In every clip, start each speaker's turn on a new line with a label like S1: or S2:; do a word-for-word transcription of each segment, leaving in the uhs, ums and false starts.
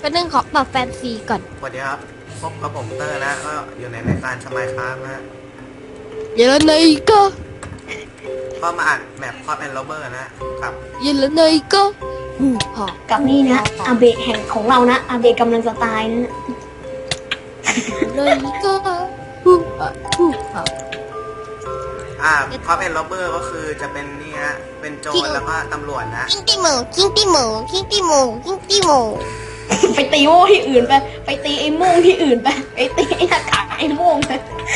S1: เป็นเรื่องของปรับแฟนซีก่อน
S2: สวัสดีครับพบกับผมเตอร์นะก็อยู่ในรายการสมัยครับนะฮะ
S1: เยลเนยก็
S2: ก็มาอ่านแมปคอปแอนด์โรเบอร์นะครับ
S1: เยลเนยก็หูหอ
S3: กับนี่นะอาเบะแห่งของเรานะอาเบะกำลังจะตายนะ
S1: เลยก็หูหอหูหอ
S2: อ่าคอปแอนด์โรเบอร์ก็คือจะเป็นนี่ฮะเป็นโจรแล้วก็ตำรวจนะ
S1: คิงตี้หมูคิงตี้หมูคิงตี้หมูคิงตี้หมู
S3: ไปตีโม่ที่อื่นไปไปตีไอ้โม่งที่อื่นไปไปตีไอ้หน้ากากไอ้โม่งไป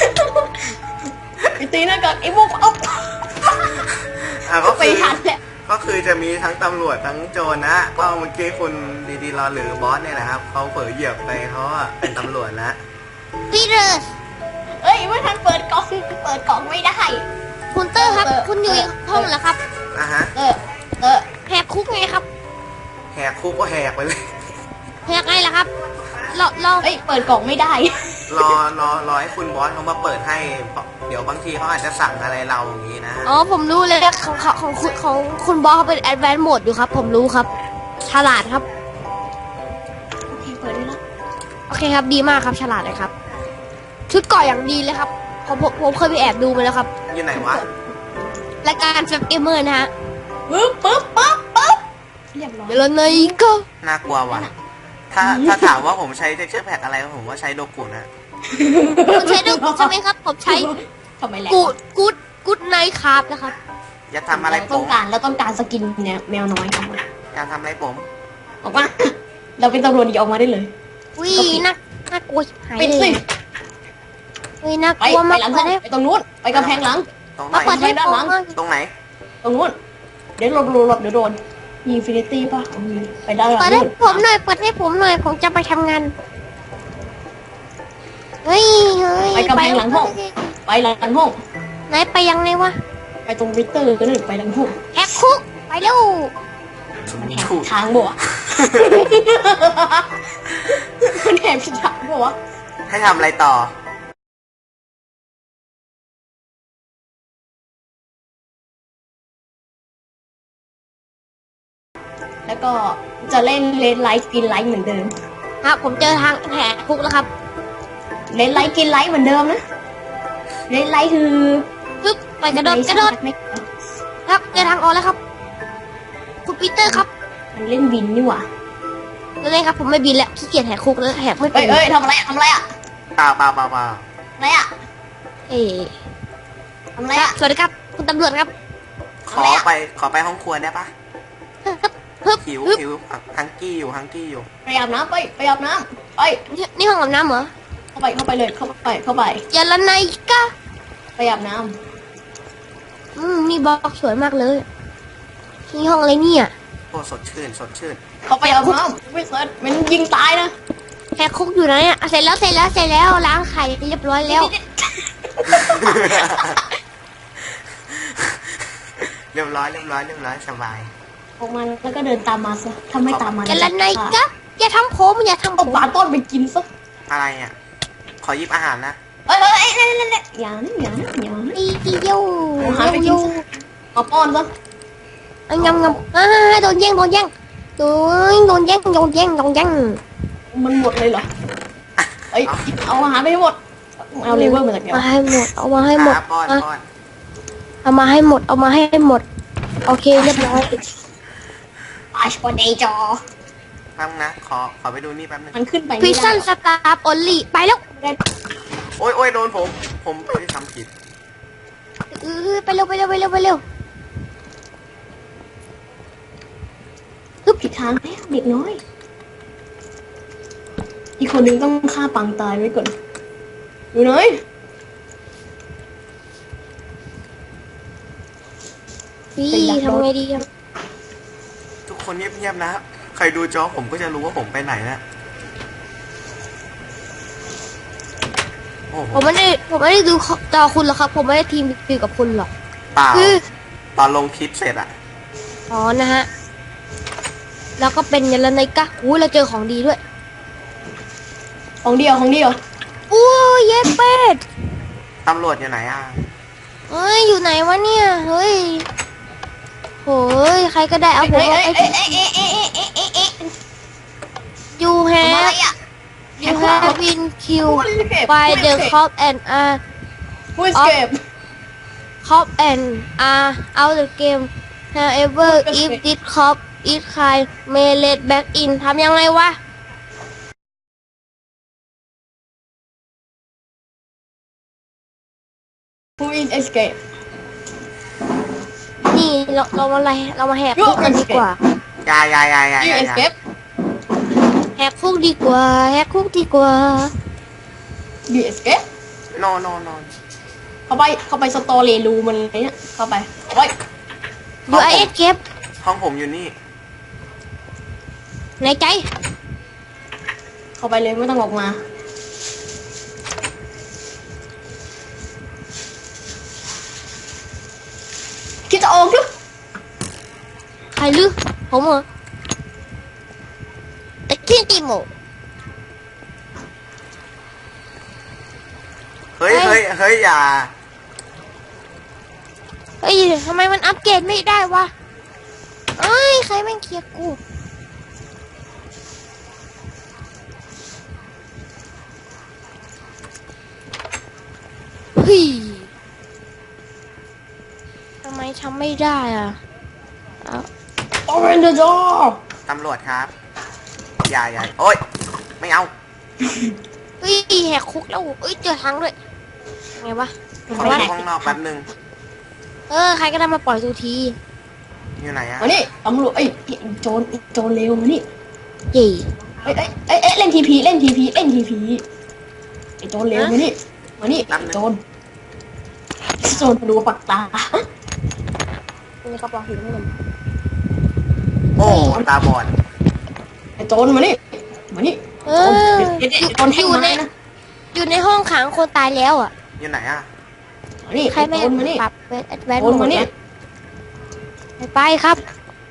S3: ไปตีหน้ากากไอ้โม่งเอา
S2: อ่าก็
S3: ไป
S2: คือ
S3: ทันแหละ
S2: ก็คือจะมีทั้งตำรวจทั้งโจรนะก็เมื่อกี้คุณดีดีรอหรือบอสเนี่ยนะครับเขาเผลอเหยียบไปเขาอะเป็นตำรวจนะ
S1: พี่เรส
S3: เอ้ยไม่ทันเปิดกล่องเปิดกล่องไม่ได้
S1: คุณเตอร์ครับคุณอยู่ในห้องเหรอครับ
S2: อ่ะฮะ
S3: เออเออ
S1: แหกคุกไงครับ
S2: แหกคุกก็แหกไปเลย
S1: แหกไงล่ะครับเราเรา
S3: เอ้ยเปิดกล่องไม่ได้
S2: รอรอรอให้คุณบอสเขามาเปิดให้เดี๋ยวบางทีเขาอาจจะสั่งอะไรเราอย่างนี้นะ
S1: อ๋อผมรู้เลยของของของคุณของคุณบอสเขาเป็นแอดแวนซ์โหมดอยู่ครับผมรู้ครับฉลาดครับ
S3: โอเคเปิดได้แล้ว
S1: โอเคครับดีมากครับฉลาดเลยครับ ชุดเกาะอย่างดีเลยครับผมผมผมเคยไปแอบดูมาแล้วครับ
S2: อยู่ไหนวะ
S1: รายการแฟมเกมเมอร์นะฮะ
S3: ปึ๊บปึ๊บปึ๊บปึ๊บเรียบร้อย
S1: เดี๋ยวเราเนยก็
S2: น่ากลัวว่ะถ้าถ้าถามว่าผมใช้ texture pack อะไรผมว่าใช้โดกุนะ
S1: คุณใช้ด้วยใช่ไหมครับ ผมใช้
S3: ทำไมแหละ
S1: กูดกูดกูดไนท์ครับนะครับ
S2: อย่าทำอะไรผ
S3: ต้อ
S2: ม
S3: งการแล้วต้องการสกินเนี่ยแมวน้อยครับ
S2: อย่าทำอะไรผม
S3: ออกมาเราเป็นตำรวจดีออกมาได้เลย
S1: วิน่าน่ากลัวชิบหาย
S3: ปิด
S1: เล
S3: สิ
S1: ยวิน่า
S3: ไป
S1: กลัว
S3: ไป
S1: มาก
S3: หลัง
S1: เล
S3: ห้อง
S1: ย
S3: ไปตรงนู้นไปกำแพงหลัง
S2: ตรงไหน
S1: มาเปิดให้
S3: ด้าน
S1: ผม
S3: หลัง
S1: บ้าง
S2: ตรงไหน
S3: ตรงนู้นเดี๋ยวหลบหลบหลบเดี๋ยวโดนมีอินฟินิตี้ป่ะเอามีไปด้านหลัง
S1: เปิดให้
S3: นู้น
S1: ผมหน่อยเปิดให้ผมหน่อยผมจะไปทำงานเฮ้ยเฮ้ย
S3: ไปกำแพงหลังห้องไปหลังห้อง
S1: ไหนไปยังไงวะ
S3: ไปตรงวิเตอร์ก็หนึ่งไปหลังห้อง
S1: แฮกคุกไปเร็ว
S3: มันแหกทางบ่วะ มันแหกผิดทางบ่วะ
S2: ให้ทำอะไรต่อ
S3: แล้วก็จะเล่นเลนไลท์กินไลท์เหมือนเดิม
S1: ครับผมเจอทางแหกคุกแล้วครับ
S3: เลนไลท์กินไลท์เหมือนเดิมนะเลนไลท์คือ
S1: ปึ๊บไปกระโดดกระโดด
S3: ไม่
S1: ครับเจอทางออกแล้วครับ คุณปีเตอร์ครับ
S3: มันเล่นบินนี่หว่า
S1: นั่นเองครับผมไม่บินแล้วขี้เกียจแหกคุกแล้วแหกไม่เป็
S3: เอ้
S1: น
S3: ยเอ้ยทำอะไรอะทำอะไรอะ
S2: เปล่าเปล่าเปล่าเปล่า
S3: อะไรอะ
S1: เอ๊ะ
S3: ทำอะไร
S1: ครับ
S3: อะ
S1: สวัสดีครับคุณตำรวจครับ
S2: ขอไปขอไปห้องครัวได้ปะ
S1: ครับปึ๊บ
S2: หิว
S1: ปึ๊บ
S2: หิวฮังกี้อยู่ฮังกี้อยู่
S3: ไปอาบน้ำไปไปอาบน้ำไป
S1: นี่นี่ห้องอาบน้ำเหรอ
S3: เข้าไปเข้าไปเลยเข้าไปเข้าไป
S1: อย่าละไนกะ
S3: ไปอาบน้
S1: อืมนี่บล็อกสวยมากเลยนี่ห้องอะไรเนี่ย
S2: โอ้สดชื่นสดชื่น
S3: ำเข้าไปอาบน้ำไม่เสร็จมันยิงตายนะ
S1: แหกคุกอยู่ไหนอ่ะเสร็จแล้วเสร็จแล้วเสร็จแล้วล้างไข่เรียบร้อยแล้ว
S2: เรียบร้อยเรียบร้อยเรียบร้อยสบาย
S3: ออกมาแล้วก็เดินตามมาซะถ้าไม่ตามมา
S1: อย่าละไนกะอย่าทำผมอย่าทำผ
S3: เอา
S1: ม
S3: ปลาต้นไปกินซะ
S2: อะไรอ่ะขอหยิบอาหารนะ
S3: เอ้ยเอ้ยเอ้ยเอ้ยเอ้ยอย่านะอย่านะอย่านะ
S1: อีเดียว
S3: เอาหาไปกิ
S1: เดี
S3: น
S1: ยว
S3: ซะเอาป้อนซะ
S1: อ่ะยำยำอ่าโดนแย่งโดนแย่งโดนโดนแย่งโดนแย่งโดนแย่ง
S3: มันหมดเลยเหรอเอ้ยเอาอาหารไปให้หมดเอาเลเวอร์มาจากไหน
S1: มาว
S3: ะ
S1: ให้หมดเอามาให้หมด
S2: อ่ะป้อน
S1: อ่ะ
S2: ป้อน
S1: เอามาให้หมดเอามาให้หมดโอเคเรียบร้อย
S3: อาชปอนเดจอ
S2: แป๊บนะขอขอไปดูนี่แป๊บนึง
S3: มันขึ้นไป
S1: พิ
S3: ไม่
S1: ซซั
S3: ได้
S1: นสตาร์ออลลี่ไปแล้ว
S2: โอ้ยโอ้ยโดนผม ผมไม่ได้ทำผิด
S1: เออไปเร็วไปเร็วไปเร็วไปเร็ว
S3: คือผิดทางแล้วเด็กน้อย อีกคนนึงต้องฆ่าปังตายไว้ก่อนอยู่ไหน
S1: พี่ทำไงดีครับ
S2: ทุกคนเงียบๆนะใครดูจอผมก็จะรู้ว่าผมไปไหนนะโอ้โห
S1: ผมไม่ได้ผมไม่ได้ดูจอคุณหรอกครับ ผมไม่ได้ทีมดูกับคุณหรอก
S2: เปล่า
S1: คือ
S2: ตอนลงคลิปเสร็จอะ
S1: อ๋อนะฮะแล้วก็เป็นยันละไนกะอุ้ยเราเจอของดีด้วย
S3: ของเดียวของเดียว
S1: อู้เย้เป็ด
S2: ตำรวจอยู่ไหนอ่ะ
S1: เฮ้ยอยู่ไหนวะเนี่ยเฮ้ยโหยใครก็ได้เอาผม
S3: เอ้ย
S1: เอา
S3: เอ้ย
S1: ไป
S3: เอ้ยเอ้ยเอ้ยเอ้ยเอ้ยเอ้ยเอ้ย
S1: อยู่แฮ have been killed by the cop and are
S3: ผู้เอสเคป
S1: cop and are out the game however if this cop is kind may let back in ทำยังไงวะ
S3: ผู้อินเอสเคป
S1: นี่เราเรามาอะไรเรามาแหกคุกกันดีกว่า
S2: อยาอยาอยาอยา
S3: ยู
S2: อยา
S3: เอสเคป
S1: แหกคุกดีกว่าแหกคุกดีกว่า
S3: ยูเอสเคป
S2: โนโนโน
S3: เข้าไปเข้าไปสตอรี่รูมันเนี่ยเข้าไปไว้
S1: อยู่ไอเอสเก็บ
S2: ห้องผมอยู่นี่
S1: ในใจ
S3: เข้าไปเลยไม่ต้องออกมาคิดจะออกหรือ
S1: ใครลือผมเหรอตะกี้ตีโม
S2: เฮ้ย
S1: เฮ้
S2: เฮ้
S1: ย
S2: ยเฮ้ยอย่า
S1: เฮ้ยทำไมมันอัปเกรดไม่ได้วะเอ้ยใครแม่งเคลียร์กูเฮ้ยทำไมทำไม่ได้อ่ะเอา
S3: โอเปนเดอะดอร์
S2: ตำรวจครับ อย่าอย่าโอ๊ย ไม่เอา
S1: เฮ้ยแหกคุกแล้วเอ้ยเจอทางด้วยไงวะ
S2: ขอไปห้องนอกแป๊บนึง
S1: เออใครก็ได้มาปล่อยทูที
S2: อยู่ไหนอะ
S3: มานี่ตำรวจเอ้ยโจรโจรเร็วมานี่
S1: เย่
S3: เอ้ยเอ้ยเอ้ยเอ้ยเล่นทีพีเล่นทีพีเล่นทีพีไอ้โจรเร็วมานี่มานี่โจรโจรดูปักตา
S1: มีกระเป๋าหินให้ผม
S2: โอ้ตาบอด
S3: ไอ้โจรมานี่มานี่
S1: เอ
S3: โจร
S1: อ
S3: เด็ด
S1: อยู่
S3: โจรแท่ง
S1: อยู่ใน
S3: ไม้นะ
S1: อยู่ในห้องขังคนตายแล้วอ่ะ
S2: อยู่ไหนอะ
S3: มานี่
S1: ใครไม่
S3: โจรมานี่
S1: ปรับเวทแอดแวน
S3: โจรมานี่
S1: ไปไปครับ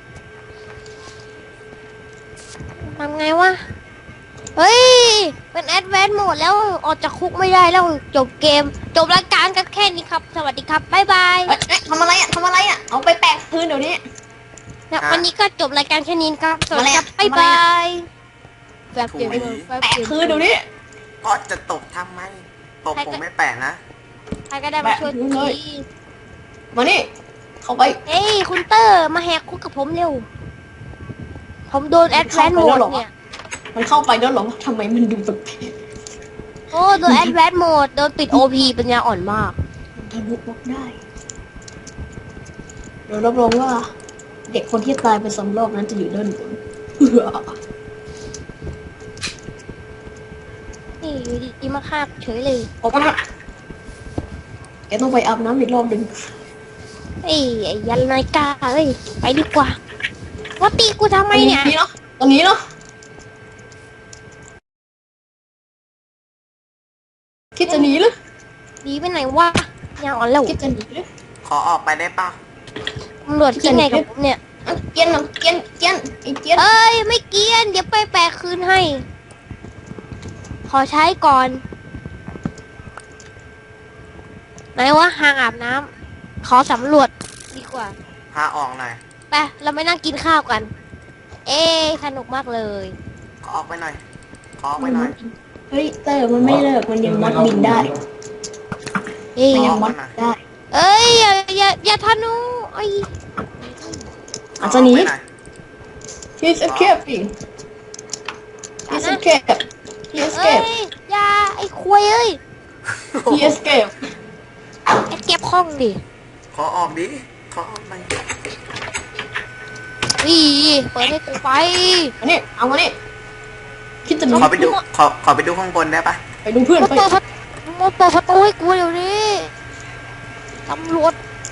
S1: ทำไงวะ เฮ้ย เป็นแอดแวนโหมดแล้วออกจากคุกไม่ได้แล้วจบเกม จบรายการกันแค่นี้ครับ สวัสดีครับ บ๊ายบาย
S3: เอ้ยเอ้ยทำอะไรอ่ะทำอะไรอ่ะเอาไปแปะพื้นเดี๋ยวนี้
S1: นะวันนี้ก็จบรายการแค่นี้ครับ สวัสดีครับ
S3: ทำอะไร
S1: บ๊าย
S3: อะ
S1: บายแบบเปลี่ยนมือแบบ
S3: แปะ
S1: เปลี่ยน
S3: พื้นเดี๋ยวนี้
S2: ก็จะตกทำไม ตกผมไม่แปลกนะ
S1: ใครก็ได้มาช่วย
S3: แปะพื้นเลย
S1: ที
S3: มานี่เข้าไป
S1: เฮ้ยคุณเตอร์มาแหกคุกกับผมเร็ว ผมโดนแอดแวนโหมดเนี่ย
S3: มันเข้าไปแล้วเหรอทำไมมันดูแปลก
S1: โอ้โดนแอดแวนโหมดโดนปิดโอพีปัญญาอ่อนมาก
S3: ๆมันทะลุบล็อกได้เดี๋ยวรับรองว่า เด็กคนที่ตายไปสองรอบนั้นจะอยู่ด้านบน
S1: นี่อยู่ดีๆมาฆ่าเฉยเลย
S3: ออกมาแกต้องไปอาบน้ำอีกรอบหนึ่ง
S1: ไอ้ไอ้ยันนายกาเอ้ยไปดีกว่าว่าตีกูทำไมเนี่ย
S3: ตรงนี้เนาะตรงนี้เนาะคิดจะหนีหรือ
S1: หนีไปไหนวะยาอ่อนแล้ว
S3: คิดจะหนีหรือ
S2: ขอออกไปได้ปะ
S1: ตำรวจคิดไงกับผมเนี่ย
S3: อ่ะเกียนเนาะเกียนเกียนไอ้เกียน
S1: เอ้ยไม่เกรียนเดี๋ยวไปแปลคืนให้ ขอใช้ก่อนไหนวะห่างอาบน้ำขอสำรวจดีกว่า
S2: พาออกหน่อย
S1: ไปเราไม่นั่งกินข้าวกัน เอ้สนุกมากเลย
S2: ขอออกไปหน่อย ขอออกไปหน่อย
S3: เฮ้ยเตอร์มันไม่เลิกมันยังมดบินได้
S1: เอ้ย
S3: มันยังมดได้
S1: เอ้ยอย่าอย่าอย่าทะนุไอ้ย
S3: อาจจะหนี
S2: ขอออกไปอย
S3: He's escaping He's escaped He
S1: เอ้ย
S3: escaped
S1: อย่าไอ้ควยเอ้ย
S3: He escaped
S1: ไอ้เก็บห้องดิ
S2: ขอออกดิ ขอออกไป
S1: อีเปิดให้กูไป
S3: มานี่เอามานี่คิดจะหนี
S2: ขอไปดู ขอ ขอไปดูข้างบนได้ปะ
S3: ไปดูเพื่อน
S1: มา
S3: ไป
S1: เปิดประตูมาเปิดประตูให้กูเดี๋ยวนี้ตำรวจ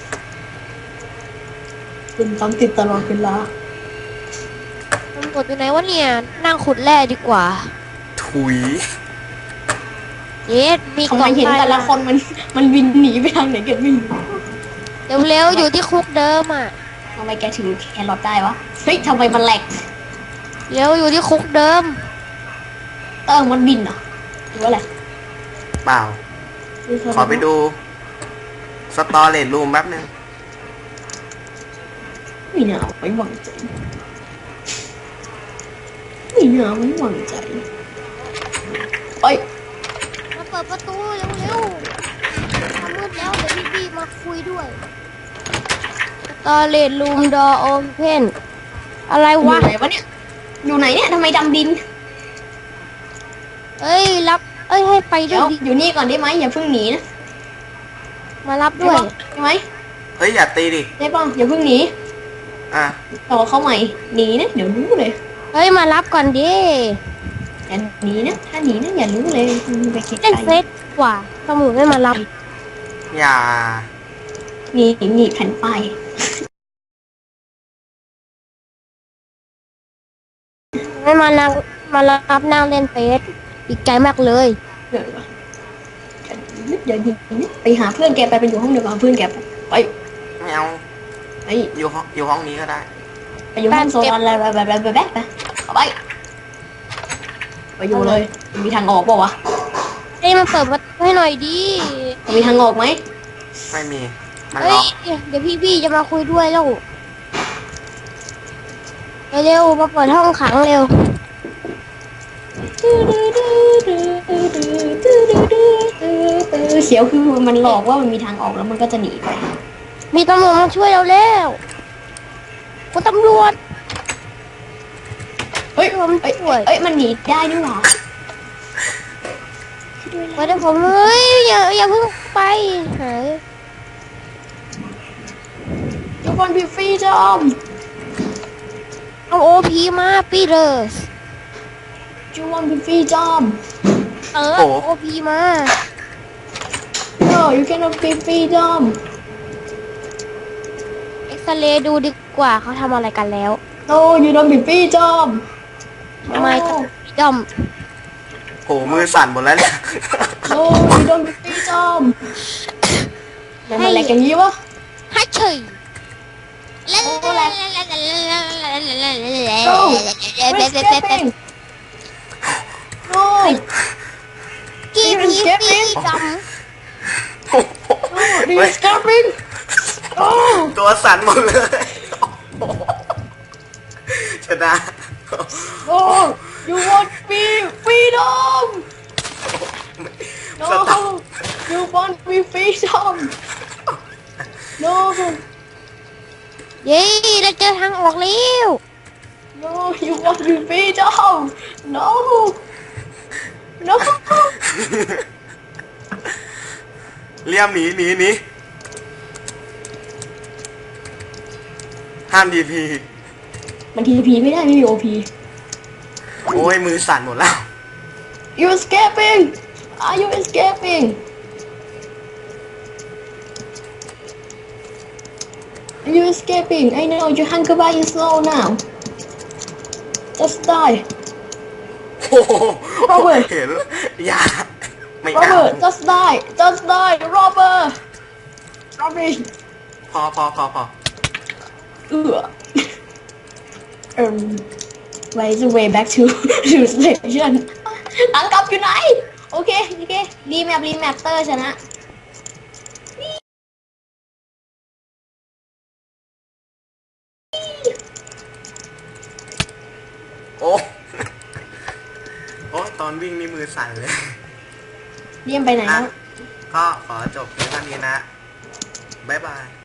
S3: คุณตามติดตลอดเวลา
S1: ตำรวจอยู่ไหนวะเนี่ยนั่งขุดแร่ดีกว่า
S2: ถุย
S1: เย็ดมี
S3: ทำ
S1: ก
S3: ไม
S1: ล่อง
S3: เห็นแต่ละคนมันมันวินหนีไปทางไหนกันไม่รู้
S1: เร็วๆอยู่ที่คุกเดิมอ่ะ
S3: ทำไมแกถึงแครอทได้วะเฮ้ยทำไมมันแหลก
S1: เร็วอยู่ที่คุกเดิม
S3: เออมันบินเหรอหรือว่าอะไร
S2: เปล่า ขอไปดู สตอเรจรูมแป๊บนึง
S3: ไม่น่าไว้วางใจไม่น่าไว้วางใจ
S1: ด้วยตอเลดรูมดอโอเพนอะไร
S3: อยู่
S1: วะ
S3: ไหนวะเนี่ยอยู่ไหนเนี่ยทำไมดำดิน
S1: เอ้ยรับเอ้ยให้ไปด้
S3: เดี๋
S1: วย ยว ดิ
S3: อยู่นี่ก่อนได้ไหมอย่าเพิ่งหนีนะ
S1: มารับด้วย
S3: ได้ไหม
S2: เฮ้ยอย่าตีดิ
S3: ได้ป่ะอย่าเพิ่งหนี
S2: อ่ะ
S3: ต่อเข้าใหม่หนีนะเดี๋ยวรู้เลย
S1: เฮ้ยมารับก่อนดิ
S3: อย่าหนีนะถ้าหนีนะอย่ารู้เลยไปคิด
S1: เล่น
S3: ไก
S1: เฟ
S3: ล
S1: ซกว่าสมุนไม่มารับ
S2: อย่า
S3: หนีหนีแผ่นป้าย
S1: ไม่มานั่งมารับนั่งเล่นเฟซดีใจมากเลย
S3: เดี๋ยวก่อนอย่าหนีนะไปหาเพื่อนแกไปไปอยู่ห้องเดียวกับเพื่อนแกไปไป
S2: ไม่เอา
S3: ไป
S2: อยู่ห้องอยู่ห้องนี้ก็ได้
S3: ไปอยู่ห้องโซนอะไรไปไปไปไปไปเข้าไปไปอยู่เลยมีทางออกเปล่าวะ
S1: เฮ้ยมาเปิดประตูให้หน่อยดิ
S3: มีทางออกไหม
S2: ไม่มี มัน
S1: เฮ้
S2: ล็
S1: ย
S2: อก
S1: เดี๋ยวพี่พี่ๆจะมาคุยด้วยแล้วเร็วๆมาเปิดห้องขังเร็ว
S3: เสียวคือมันหลอกว่ามันมีทางออกแล้วมันก็จะหนีไป
S1: มีตำรวจมาช่วยเราแล้วคุณตำรวจ
S3: เฮ้ยเอ้ยเอ้ยมันหนีได้นี่หว่า
S1: มาเดี๋ยวผมเฮ้ยอย่าอย่าเพิ่งไปหาย
S3: You want to be freedom
S1: เอาโอพีมาปีเดอร์ส
S3: You want to be freedom
S1: เออโอพีมา
S3: No you cannot be freedom
S1: เอ็กซเรย์ดูดีกว่าเขาทำอะไรกันแล้ว
S3: No you don't be freedom
S1: ทำไมต้องดอม
S2: โหมือสั่นหมดแล้วเนี่ย
S3: No you don't be freedom มันอะไรกันยี่วะ
S1: ฮัทเฉย
S3: No we're escaping No
S1: กีบีฟีดอม
S3: No you're escaping Oh
S2: ตัวสั่นหมดเลย ชนะ
S3: No you want to be freedom
S2: สตับ
S3: No you want to be freedom No
S1: เย้เราเจอทางออกแล้ว
S3: No you want to be freedom No No
S2: เลี่ยมหนีหนีหนีห้ามดีพี
S3: มันทีพีไม่ได้ไม่มีโอพี
S2: โอ้ยมือสั่นหมดแล้ว
S3: You escaping Are you escaping Are you escaping I know your hunger bar is low now Just die
S2: โอ้โห
S3: Robert
S2: เห็นอย่าไม่เอา
S3: Robert just die just die Robert Robert
S2: พอพอพอพอ
S3: เออ um why is the way back to to station ทางกลับอยู่ไหน โอเค โอเค รีแมปรีแมปเตอร์ชนะ
S2: โอ้โอ้ตอนวิ่งนี่มือสั่นเลย
S3: เรียมไปไหน
S2: อ่ะ
S3: แล้ว
S2: ก็ขอจบเพียงเท่านี้นะ บ๊ายบาย